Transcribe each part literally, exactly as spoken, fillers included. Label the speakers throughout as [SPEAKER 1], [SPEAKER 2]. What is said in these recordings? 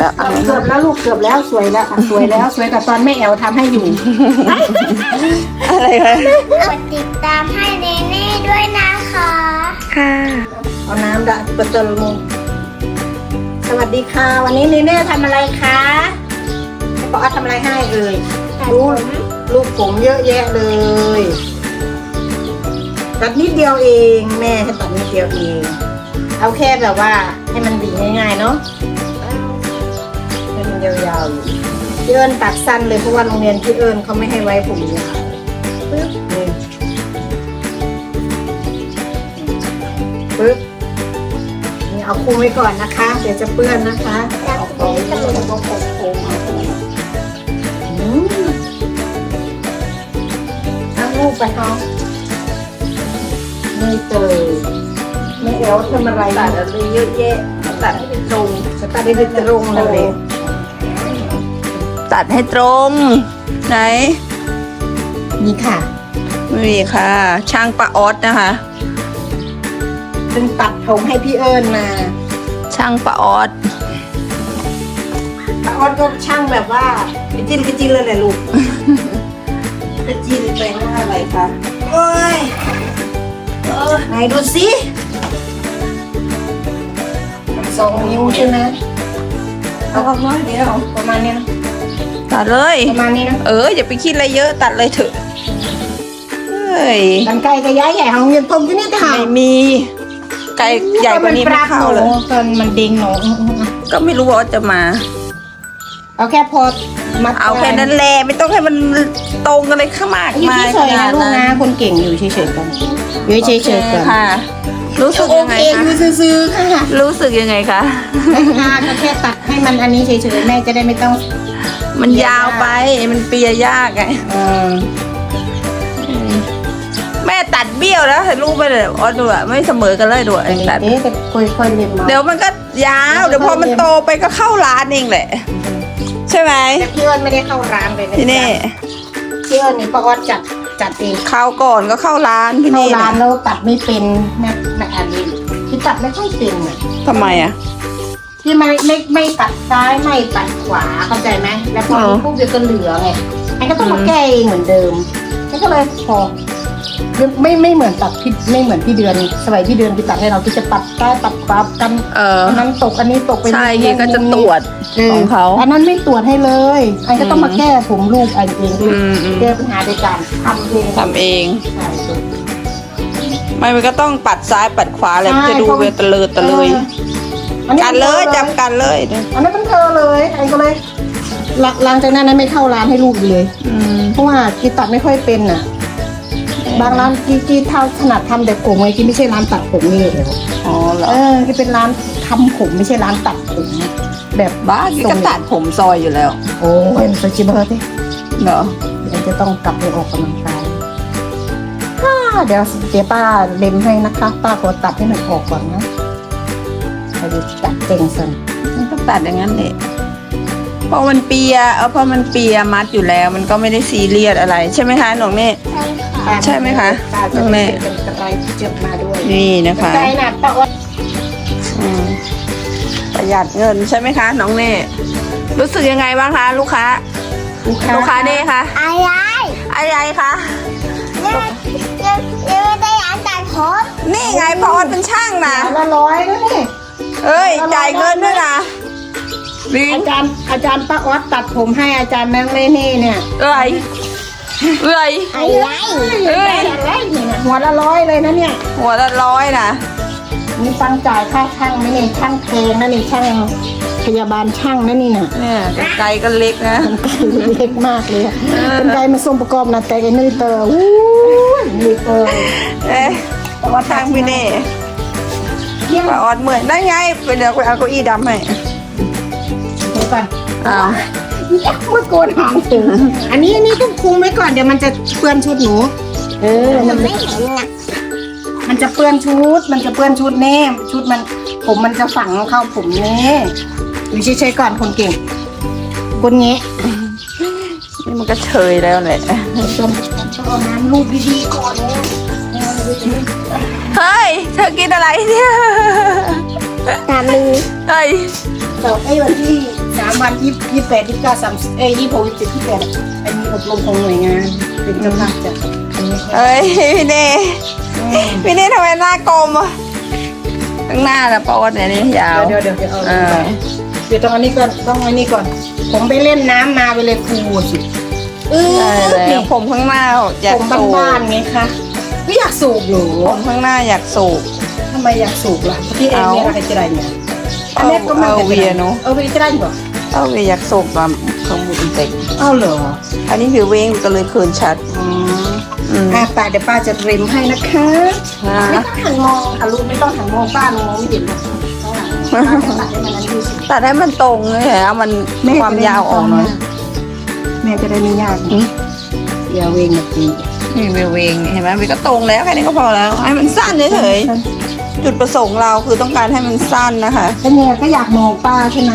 [SPEAKER 1] แล้วเกือบแล้วลูกเกือบแล้วสวยแล้วสวยแล้วสวยกับตอนแม่แอลทำให้อยู่
[SPEAKER 2] อะไรคะ
[SPEAKER 3] กดติดตามให้เนเน่ด้วยนะคะ
[SPEAKER 2] ค่ะ
[SPEAKER 1] เอาน้ำดะประตูมุสวัสดีค่ะวันนี้เนเน่ทำอะไรคะปอทำอะไรให้เอ่ยลูกลูกผมเยอะแยะเลยตัดนิดเดียวเองแม่ให้ตัดนิดเดียวเองเอาแค่แบบว่าให้มันดีง่ายๆเนาะให้มันยาวๆอยู่พี่เอิญตัดสั้นเลยเพราะว่าโรงเรียนพี่เอิญเขาไม่ให้ไว้ผมยาวปึ๊บนี่ปึ๊บนี่เอาคุมไว้ก่อนนะคะเดี๋ยวจะเปื้อนนะคะเอาไปแล้วก็โค้งๆเอาอืมเอาลูกไปท้องไม่เจอไม่แอลทำอะไรตัดอะไรเยอะแยะตัดให้เป็นตรงตัดให้เป็นตรงเลย
[SPEAKER 2] ตัดให้ตรงไหน
[SPEAKER 1] นี่ค่ะ
[SPEAKER 2] นี่ค่ะ ช่างป้าออสนะคะ
[SPEAKER 1] ซึ่งตัดผมให้พี่เอิญมา
[SPEAKER 2] ช่างป้าออส
[SPEAKER 1] ป้าออสก็ช่างแบบว่าไปจิ้นก็จิ้นเลยแหละลูกไปจิ้นไปว่าอะไรคะโอ้ยเออไหนดูสิสองนิ้วใช่ไหมเอาออกน้อยเดียวประมาณนี้นะ
[SPEAKER 2] ตัดเลย
[SPEAKER 1] ประมาณนี้นะ
[SPEAKER 2] เอออย่าไปคิดอะไรเยอะตัดเลยเถอะเฮ้ย
[SPEAKER 1] กันไก่กับย้ายใหญ่ของเงินตรงที่นี่ถ่าย
[SPEAKER 2] ไม่มีไก่ใหญ่กว่านี้ไม่เข้าเลย
[SPEAKER 1] ตอนมันเด้งหนู
[SPEAKER 2] ก็ไม่รู้ว่าจะมา
[SPEAKER 1] เอาแค่พอมา
[SPEAKER 2] เอาแค่นั้นแหละไม่ต้องให้มันตรงกันเลยข้างมาก
[SPEAKER 1] อยู่เฉยๆนะลูกนะคนเก่งอยู่เฉยๆกันอยู่เฉยๆกัน
[SPEAKER 2] ค่ะรู้สึกยังไงคะ
[SPEAKER 1] ซื้อๆค่ะ
[SPEAKER 2] รู้สึกยังไงคะ
[SPEAKER 1] ค่ะก็แค่ตัดให้มันอันนี้เฉยๆแม่จะได้ไม่ต้อง
[SPEAKER 2] มันยาวไปมันเปียยากไงแม่ตัดเบี้ยวแล้วให้ลูกไปเลยอ๋อดูอะไม่เสมอกันเลยดูตัด
[SPEAKER 1] เอ๊ะค่อยๆเรียนมา
[SPEAKER 2] เดี๋ยวมันก็ยาวเดี๋ยวพอมันโตไปก็เข้าร้านเองแหละใช่ไหม
[SPEAKER 1] แต่พี่เอิญไม่ได้เข้าร้านเลยนะ
[SPEAKER 2] พี่เน่
[SPEAKER 1] พี่เอิญนี่ป้าออดจัดจัดเอง
[SPEAKER 2] เข้าก่อนก็เข้าร้านพี่เน่
[SPEAKER 1] เข้าร้านแล้วตัดไม่เป็นแม่แม่อันนี้ที่ตัดไม่ค่อยเป็นอ่ะ
[SPEAKER 2] ทำไมอ่ะ
[SPEAKER 1] ที่ไม่ไม่ไม่ตัดซ้ายไม่ตัดขวาเข้าใจไหมแล้วพอปุ๊บเดี๋ยวก็เหลือไงไอ้ก็ต้องมาแก้เองเหมือนเดิมก็เลยพอไม่ไม่เหมือนตัดพี่ไม่เหมือนพี่เดือนสมัยพี่เดือนพี่ตัดให้เราที่จะตัดใต้ตัดขวากันอันนั้นตกอันนี้ตกไป
[SPEAKER 2] ใช่ก็จะตรวจของเขา
[SPEAKER 1] อันนั้นไม่ตรวจให้เลยไอ้ก็ต้องมาแก้ผมลูกไอ้เองแก้ปัญหาโดยการทำเอง
[SPEAKER 2] ทำเองไม่มันก็ต้องปัดซ้ายปัดขวาอะไรจะดูเวตะเลยตะเลยกันเลยจำกันเลย
[SPEAKER 1] อันนั้นเป็นเธอเลยไอ้ก็เลยหลังจากนั้นไม่เข้าร้านให้ลูกเลยเพราะว่ากีตัดไม่ค่อยเป็นอ่ะบางร้านกีกีเท่าถนัดทำแต่ผมไงกีไม่ใช่ร้านตัดผมนี่เลย
[SPEAKER 2] อ๋อเหรอ
[SPEAKER 1] เออกีเป็นร้านทำผมไม่ใช่ร้านตัดผมแบบ
[SPEAKER 2] บ้ากีก็ตัดผมซอยอยู่แล้ว
[SPEAKER 1] โอ้ยมันจะชิบเบอร์ดิ
[SPEAKER 2] เหรอ
[SPEAKER 1] เดี๋ยวจะต้องกลับไปออกกำลังกายเดี๋ยวเดี๋ยวป้าเล็มให้นะคะป้าขอตัดให้มันออกก่อนนะไปดูตัดเก่งสัน
[SPEAKER 2] มันก็ตัดอย่างนั้นแหละเพราะมันเปียเออเพราะมันเปียมัดอยู่แล้วมันก็ไม่ได้ซีเรียสอะไรใช่ไหมคะหนูเน่ใช่ไหมคะหนูเน่
[SPEAKER 1] เป็นกระไรเจ็บมาด้วย
[SPEAKER 2] นี่นะคะ
[SPEAKER 1] ใจหนักแต่ว่า
[SPEAKER 2] ประหยัดเงินใช่ไหมคะน้องเน่รู้สึกยังไงบ้างคะลูกค้าลูกค้าเน่คะ
[SPEAKER 3] อะไร
[SPEAKER 2] อะไรคะ
[SPEAKER 3] ยังยังยังไม่ได้ร้านตัดผม
[SPEAKER 2] นี่ไงพอเป็นช่างนะ
[SPEAKER 1] ละร้อยด้วยนี่
[SPEAKER 2] เอ้ยจ่ายเงินด้วยนะ
[SPEAKER 1] อาจารย์อาจารย์ป้าออสตัดผมให้อาจารย์แมงเล่นี่เนี่ย
[SPEAKER 2] เอ้ยเอ้ย
[SPEAKER 3] อะไร
[SPEAKER 1] เอ้ยอะไรเนี่ยหัวละร้อยเลยนะเนี่ย
[SPEAKER 2] หัวละร้อยนะ
[SPEAKER 1] นี่ฟังจ่ายค่าช่างไม่เนี่ยช่างเพลงนะนี่ช่างพยาบาลช่างนะนี่น่ะ
[SPEAKER 2] เนี่ยไกลก็เล็กนะ
[SPEAKER 1] เล็กมากเลยเป็นไกมาส่งประกอบนะแต่ไอ้นี่เตอร์วู้นี่เตอร์
[SPEAKER 2] เอ๊ะว่าทางพี่เน่ป้าออดเมื่อยได้ไงไปเดี๋ยวไปเอาเก้าอี้ดำให้
[SPEAKER 1] เดี๋ยวก่อน
[SPEAKER 2] อ้าว
[SPEAKER 1] ยักษ์มาโกนหางถึงอันนี้อันนี้ต้องคุมไว้ก่อนเดี๋ยวมันจะเปื้อนชุดหนูเออมันไม่เห็นอ่ะมันจะเปื้อนชุดมันจะเปื้อนชุดแน่ชุดมันผมมันจะฝังเข้าผมแน่อยู่เฉยๆก่อนคนเก่งคนเงี้ย
[SPEAKER 2] นี่มันก็เฉยแล้วแหละ
[SPEAKER 1] ต้องเอาน้ำลูบดีๆก่อน
[SPEAKER 2] เฮ้ยเธอกินอะไรเนี่ย
[SPEAKER 1] ตาลือ
[SPEAKER 2] เฮ้ย
[SPEAKER 1] ต่อให้วันที่สาวันยี่ยี่แปดยี่เก้าสามเอ้ยยี่หกยี่เจ็ดยี่แปดอันนี้อบรมของหน่วยงานเป็นเจ้าภาพจัดอันนี้
[SPEAKER 2] เอ้ยพี่เน่พี่เน่ทำไมหน้ากลมอ่ะข้างหน้านะปอดเนี่ยนี่ยาว
[SPEAKER 1] เดี๋ยวเดี๋ยวเดี๋ยวเอา
[SPEAKER 2] เออ
[SPEAKER 1] เดี๋ยวต้องอันนี้ก่อนต้องอันนี้ก่อน ผมไปเล่นน้ำมาไปเลยครูสิเออ
[SPEAKER 2] ใช่แล้
[SPEAKER 1] นี่
[SPEAKER 2] วผมข้างหน้าอยาก
[SPEAKER 1] ผม
[SPEAKER 2] สูบ
[SPEAKER 1] บ้านๆไงคะไม่อยากสูบหนู
[SPEAKER 2] ผมข้างหน้าอยากสูบ
[SPEAKER 1] ทำไมอยากสูบล่ะพี่เองเนี่ยอะไรจะได้เนี่ย
[SPEAKER 2] เอาเอาเวียเนอะ
[SPEAKER 1] เอาเวียจะได้เหรอ
[SPEAKER 2] เอาไปอยากสูบมาข้างบนเต็ก
[SPEAKER 1] เอาเหรอ
[SPEAKER 2] อันนี้คือเว้งก็เลยคืนชัด
[SPEAKER 1] อืม
[SPEAKER 2] อืม
[SPEAKER 1] อ่ะป้าเดี๋ยวป้าจะริมให้นะคะ
[SPEAKER 2] อ่า
[SPEAKER 1] ไม่ต้องหันมองค่ะลูกไม่ต้องหันมองป้ามองไม่เห็นหรอกต้องหันป้าจะตัดให้มันนั้นดูสิ
[SPEAKER 2] ตัดให้มันตรงเลยเหรอมันความยาวออกหน่อย
[SPEAKER 1] แม่จะได้ไม่ยาก
[SPEAKER 2] อืม
[SPEAKER 1] อย่าเวงแบบนี้
[SPEAKER 2] นี่เวเวงเห็นไหมมันก็ตรงแล้วแค่นี้ก็พอแล้วให้มันสั้นเฉยๆจุดประสงค์เราคือต้องการให้มันสั้นนะคะ
[SPEAKER 1] แล้วเนี่ยก็อยากมองป้าใช่ไหม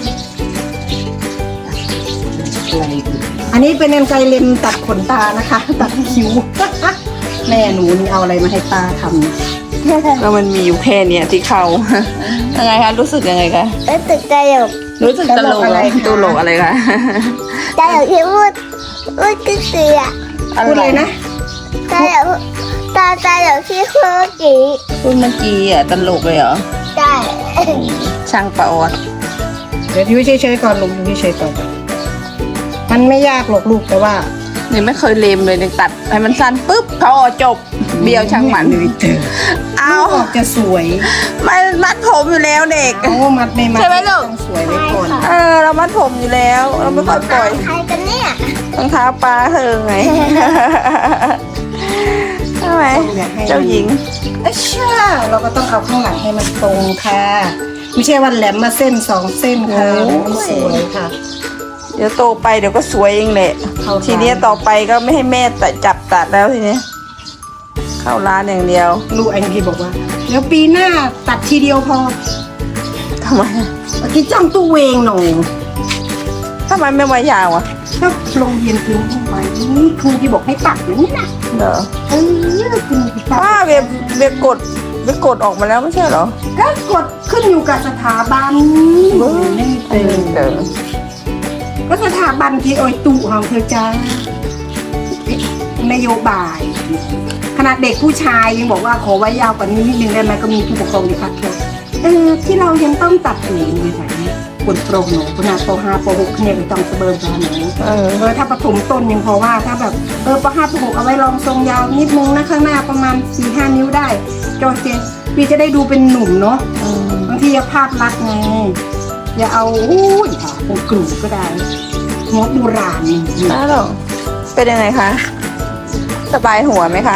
[SPEAKER 1] อันนี้เป็นกรรไกรเล็มตัดขนตานะคะ ตัดคิ้ว แม่หนูนี่เอาอะไรมาให้ป้าทำเนี่ย
[SPEAKER 2] แล้วมันมีอยู่แค่เนี้ยที่เขา ยังไงคะรู้สึกยังไงคะ
[SPEAKER 3] แล้วตึกใจหยก
[SPEAKER 2] รู้สึกตลกอะไรตลกอะไรคะ
[SPEAKER 3] ใจหยกที่พูดพูดคือเสือ
[SPEAKER 1] พูดเลยนะ
[SPEAKER 3] ใจหยกตาใจหยกที่พูดเมื่อกี้
[SPEAKER 2] พูดเมื่อกี้อ่ะตลกเลยเหรอ
[SPEAKER 3] ใช่
[SPEAKER 2] ช่างปะออด
[SPEAKER 1] เดี๋ยวอยู่เฉยๆก่อนลูกอยู่เฉยๆก่อนมันไม่ยากหรอกลูกแต่ว่า
[SPEAKER 2] นี่ไม่เคยเลมเลยเนี่ยตัดให้มันสั้นปุ๊บเขาออกจบเบี้ยวช่างมันเอา
[SPEAKER 1] ลูกออกจะสวย
[SPEAKER 2] มันมัดผมอยู่แล้วเด็ก
[SPEAKER 1] เอามัดไม่มัด
[SPEAKER 2] ใช่ไหมลูก
[SPEAKER 1] ต้องสวยไว้ก่อน
[SPEAKER 2] เออเรามัดผมอยู่แล้วเราไม่ค่อยปล่อย
[SPEAKER 3] ใครกันเนี่ย
[SPEAKER 2] รองเท้าปลาเธอไง ใช่ไหมเจ้าหญิง
[SPEAKER 1] เอ้ยเชื่อเราก็ต้องเอาข้างหลังให้มันตรงค่ะไม่ใช่วันแหลมมาเส้นสองเส้นค่ะมันสวยค่ะ
[SPEAKER 2] เดี๋ยวโตไปเดี๋ยวก็สวยเองแหละ
[SPEAKER 1] เข้าร้าน
[SPEAKER 2] ทีเนี้ยต่อไปก็ไม่ให้แม่ตัดจับตัดแล้วทีเนี้ยเข้าร้านอย่างเดียว
[SPEAKER 1] ลูกไอ้ที่บอกว่าเดี๋ยวปีหน้าตัดทีเดียวพอ
[SPEAKER 2] ทำไม
[SPEAKER 1] เมื่อกี้จ้องตู้เวงหน่อย
[SPEAKER 2] ทำไมไม่ไว้ยาวอ่ะ
[SPEAKER 1] ถ้าโรงเรียนคุณเข้าไปนี่ครูที่บอกให้ตัดอย่างนี้นะ
[SPEAKER 2] เหรอ
[SPEAKER 1] เออคุณตัด
[SPEAKER 2] ป้าเวบเวบกดเวบกดออกมาแล้วไม่ใช่เหรอ
[SPEAKER 1] ก็กดขึ้นอยู่กับสถาบันไม่มีเติม
[SPEAKER 2] เออ
[SPEAKER 1] ก็สถาบันที่โอยตุของเธอจ้า นโยบายขนาดเด็กผู้ชายยังบอกว่าขอไว้ยาวกว่านี้นิดนึงได้ไหมก็มีผู้ปกครองที่พักเธอเออที่เรายังต้องตัดหูอยู่ไหนปวดโปร่งหนูขนาดปห้าปหกเนี่ยต้องสะเบิร์นมาหนู
[SPEAKER 2] เออ
[SPEAKER 1] เออถ้าประถมต้นยังพอว่าถ้าแบบเออปห้าปหกเอาไว้ลองทรงยาวนิดนึงนะข้างหน้าประมาณสี่ห้านิ้วได้จอเจนพี่จะได้ดูเป็นหนุ่มเนาะ
[SPEAKER 2] อืม
[SPEAKER 1] บางทีอย่าภาพลักษณ์ไงอย่าเอาอุ้ยค่ะโอกลุ่มก็ได้หัวโบราณนี่
[SPEAKER 2] อ้าวเหรอเป็นยังไงคะ สบายหัวไหมคะ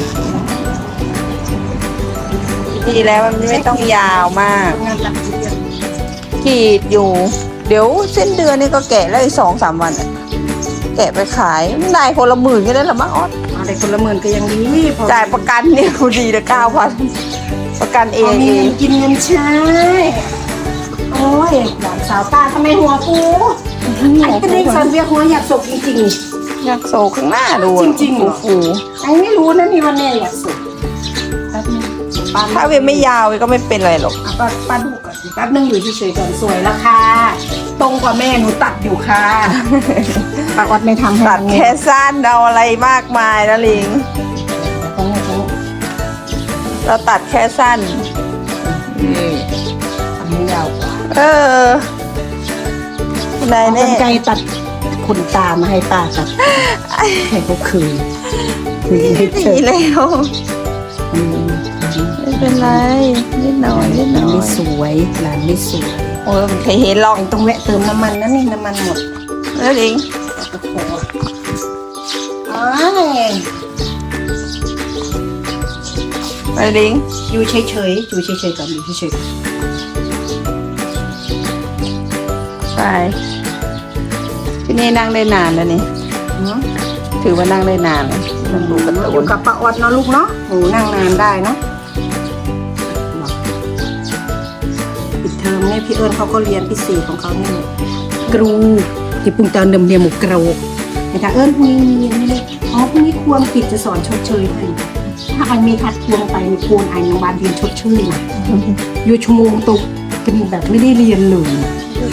[SPEAKER 2] ดีแล้วมันไม่ต้องยาวมาก
[SPEAKER 1] งานตัดเย็บ
[SPEAKER 2] กรีดอยู่ เดี๋ยวเส้นเดือนนี่ก็แกะแล้วอีกสองสามวันอะแกะไปขายได้คนละหมื่นก็ได้ละมั้งออส
[SPEAKER 1] อะไรคนละหมื่นก็ยังดีพอ
[SPEAKER 2] จ่ายประกันเนี่ยกูดีละเก้าพันประกันเอ
[SPEAKER 1] พอง มี
[SPEAKER 2] เอ
[SPEAKER 1] เงินกินเงินใช้โอ้ยหลานสาวตาทำไมหัวฟูไอ้กระดิ่งสันเวียหัวอยากสกจริง
[SPEAKER 2] อยากโศกข้างหน้าดู
[SPEAKER 1] จริงๆเหรอ
[SPEAKER 2] ฟู
[SPEAKER 1] ๆไอ้ไม่รู้นะนี่วันแม่อยากสกแป๊บนึงป้า
[SPEAKER 2] ๆถ้าเวยไม่ยาวเวยก็ไม่เป็นไรหรอก
[SPEAKER 1] ป้าป้าดูก่อนแป๊บนึงอยู่เฉยๆก่อนสวยแล้วค่ะตรงกว่าแม่หนูตัดอยู่ค่ะป้าออดไม่ทำให้
[SPEAKER 2] ตัด
[SPEAKER 1] มัน
[SPEAKER 2] แค่สั้นเอาอะไรมากมายนะลิง
[SPEAKER 1] ตรงนี้ตรงนี้
[SPEAKER 2] เราตัดแค่สั้น
[SPEAKER 1] นี่อันนี้ยาวกว่า
[SPEAKER 2] เออได้
[SPEAKER 1] เอา
[SPEAKER 2] แน่
[SPEAKER 1] กรรไกรตัดขนตามาให้ป้าตัดให้เขาคืนคืนให้เฉ
[SPEAKER 2] ดี
[SPEAKER 1] ย
[SPEAKER 2] แล้ว
[SPEAKER 1] อืม
[SPEAKER 2] ไม่เป็นไรนิดหน่อยนิดห
[SPEAKER 1] หลา
[SPEAKER 2] น่
[SPEAKER 1] น
[SPEAKER 2] อ
[SPEAKER 1] ไม่
[SPEAKER 2] ย
[SPEAKER 1] สวยหลานไม่สวย
[SPEAKER 2] โอ้ยไม่เคยเห็นหรอก
[SPEAKER 1] ไอ้ต้องแวะเติมน้ำมันนะนี่น้ำมันหมด
[SPEAKER 2] แล้วลิง
[SPEAKER 1] โอ้โหอ้าย
[SPEAKER 2] ไปลิง
[SPEAKER 1] อยู่เฉยๆอยู่เฉยๆก่อนอยู่เฉย
[SPEAKER 2] ไปที่นี่นั่งได้นานแล้วนี่
[SPEAKER 1] ๆเนาะ
[SPEAKER 2] ถือว่านั่งได้นานเลยนั่งดูการ์ตู
[SPEAKER 1] อยู่
[SPEAKER 2] น
[SPEAKER 1] กับป้าออดเนาะลูกเนาะหนูนั่งนานได้เนาะปิดเทอมเนี่ยพี่เอิญเขาก็เรียนพิเศษของเขาเนี่ยกรูที่ปุ่งตอนเดิมเรียนหมกกรูนะคะเอิญพรุ่งนี้มีอันนี้เลยอ๋อพรุ่งนี้ควรกิจจะสอนชดเชยให้ถ้าไอมีทัดควงไปมีควรไอโรงพยาบาลเรียนชดเชยนะอยู่ชั่วโมงตกเป็นแบบไม่ได้เรียนเลย
[SPEAKER 2] ก็สมค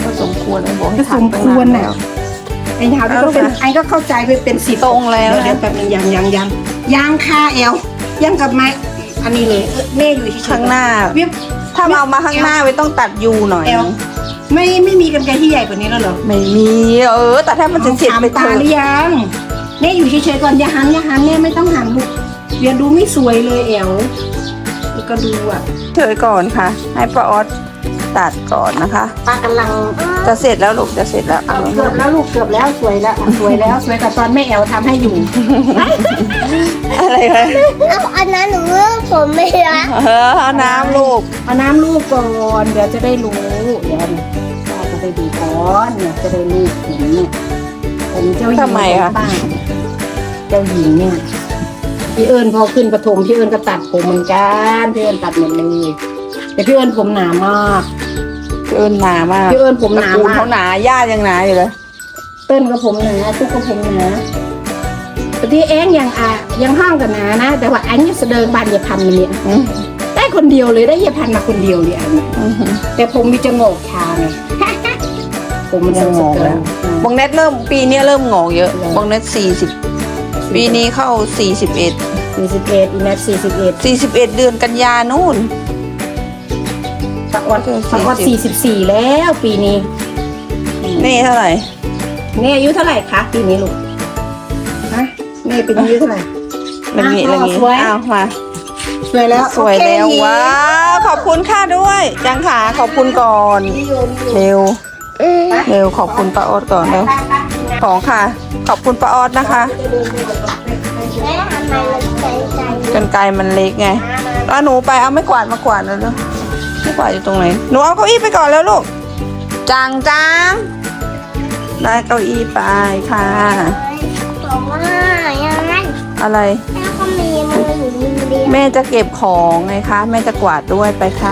[SPEAKER 2] ควรไอ้บอกให้
[SPEAKER 1] ก็ส
[SPEAKER 2] ถัก
[SPEAKER 1] ม
[SPEAKER 2] ตั้ง
[SPEAKER 1] ควร
[SPEAKER 2] นาน
[SPEAKER 1] น่ะ
[SPEAKER 2] แล้ว
[SPEAKER 1] ไอ้เท้าที่ก็เป็นไอ้ก็เข้าใจไปเป็นสิบ
[SPEAKER 2] ตรงแล้ว
[SPEAKER 1] เดี๋ยว
[SPEAKER 2] นะ
[SPEAKER 1] เดี๋ยวแป๊บนึงยังยังยังยังค่าเอวยังกับไม้อันนี้เลยเออแม่อยู่ที่
[SPEAKER 2] ข้างหน้า
[SPEAKER 1] วิบ
[SPEAKER 2] ถ้าเอามาข้างหน้าไว้ต้องตัดยูหน่อย
[SPEAKER 1] เอวไม่ไม่มีกันไกรที่ใหญ่กว่านี้แล้วเหรอ
[SPEAKER 2] ไม่มีเออ แต่ถ้ามันจะเสร็จ
[SPEAKER 1] ถาม
[SPEAKER 2] ไปเถ
[SPEAKER 1] ตา
[SPEAKER 2] อะ
[SPEAKER 1] หรือยังแม่อยู่เฉยๆก่อนอย่าหันอย่าหันแม่ไม่ต้องหันลูกเดี๋ยวดูไม่สวยเลยเอวแล้วก็ดูอ่ะ
[SPEAKER 2] เฉยก่อนค่ะ ให้ป้าออสตัดก่อนนะคะ
[SPEAKER 1] ป้ากำลัง
[SPEAKER 2] จะเสร็จแล้วลูกจะเสร็จแล้วเอา
[SPEAKER 1] เกือบแล้วลูกเกือบแล้วสวยแล้วอ่ะสวยแล้วสวยแต่ตอนแม่แอวทำให้อยู่
[SPEAKER 2] อะไรคะ
[SPEAKER 3] เอาอันนั้นหนูเลือกผมไม่ละ
[SPEAKER 2] เออเอาน้ำลูก
[SPEAKER 1] เอาน้ำลูกก่อนเดี๋ยวจะได้รู้เดี๋ยวนะป้าจะได้ดูก่อนเนี่ยจะได้ลูกผมเนี่ยผมเจ้าหญิง
[SPEAKER 2] ทำไมคะ
[SPEAKER 1] ป้าเจ้าหญิงเนี่ยพี่เอิญพอขึ้นประถมพี่เอิญก็ตัดผมเหมือนกันพี่เอิญตัดหมดเลยแต่พี่เอิญผมหนามาก
[SPEAKER 2] เอิญหนามาก
[SPEAKER 1] พี่เอิญผมห
[SPEAKER 2] ตระ
[SPEAKER 1] นา
[SPEAKER 2] กูล
[SPEAKER 1] มาก
[SPEAKER 2] เขาหนาญาติยังหนาอยู่เลย
[SPEAKER 1] เติ้ลก็ผมหนาตุ๊กก็ผมหนาแต่ที่เองยังอ่ะยังห้างกันหนานะ แต่ว่าอันนี้เสดิงบานเยาพันธุ์เนี่ย
[SPEAKER 2] อืม
[SPEAKER 1] ได้คนเดียวเลยได้เยาพันธุ์มาคนเดียวเลยอันเนี้ย
[SPEAKER 2] อืม
[SPEAKER 1] แต่ผมมีจะโงกชาไง ผมมัน
[SPEAKER 2] ยังงงแล้ว บงเน็ตเริ่มปีนี้เริ่มงอกเยอะบงเน็ตสี่สิบปีนี้เข้าสี่สิบเอ็ด
[SPEAKER 1] สี่สิบเอ็ดอีแมทสี่สิบเอ็ด
[SPEAKER 2] สี่สิบเอ็ดเดือนกันยานู่น
[SPEAKER 1] ปะออดปะออดสี่สิบสี่แล้วปีนี้
[SPEAKER 2] นี่เท่าไหร่
[SPEAKER 1] นี่อายุเท่าไหร่คะปีนี้ลูกฮะนี่เป็นอายุเท่าไหร่
[SPEAKER 2] มันมีอะไรงี้
[SPEAKER 1] สวย
[SPEAKER 2] อ้าวมา
[SPEAKER 1] สวยแล้ว
[SPEAKER 2] สวยแล้ว
[SPEAKER 1] โอเค
[SPEAKER 2] ว้าวขอบคุณค่ะด้วยจังขาขอบคุณก่อน
[SPEAKER 1] นิยมอยู่
[SPEAKER 2] เร็ว
[SPEAKER 3] อืม
[SPEAKER 2] เร็วขอบคุณป้าออดก่อนเร็ว
[SPEAKER 1] ไปไปไป
[SPEAKER 2] ของค่ะ ขอบคุณป้าออดนะคะ
[SPEAKER 3] แม่ทำไมมันใจใจ
[SPEAKER 2] กันไกลมันเล็กไงแล้วหนูไปเอาไม่กวาดมากวาดแล้วลูกไม่กวาดอยู่ตรงไหนหนูเอาเก้าอี้ไปก่อนแล้วลูกจังจังได้เก้าอี้ไปค่ะ
[SPEAKER 3] บอกว่าอย่างนั้น
[SPEAKER 2] อะไร
[SPEAKER 3] แม่ก็มีมืออยู่มือเดียว
[SPEAKER 2] แม่จะเก็บของไงคะแม่จะกวาดด้วยไปค่ะ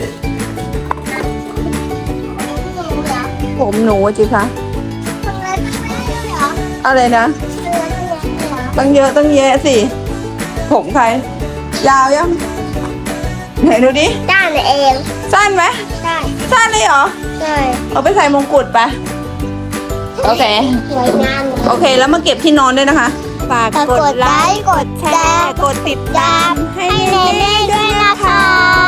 [SPEAKER 2] ผมหนูจิคะ
[SPEAKER 3] ทำไมไม่ได้เหรอ
[SPEAKER 2] อะไรนะ
[SPEAKER 3] ทำไมไม่ได้เหรอ
[SPEAKER 2] ตั้งเยอะตั้งแยะสิ ผมใคร ยาวยังไหนดูดิ
[SPEAKER 3] ด้านเอง
[SPEAKER 2] สั้นไหม
[SPEAKER 3] ได้
[SPEAKER 2] สั้นเลยเหรอ
[SPEAKER 3] ได้
[SPEAKER 2] เอาไปใส่มงกุฎไป โอเค
[SPEAKER 3] สวยงาม
[SPEAKER 2] โอเค แล้วมาเก็บที่นอนด้วยนะคะ ฝาก
[SPEAKER 3] กดไลค์กดแชร์
[SPEAKER 2] กดติด
[SPEAKER 3] ตามให้เนเน่ด้วยนะคะ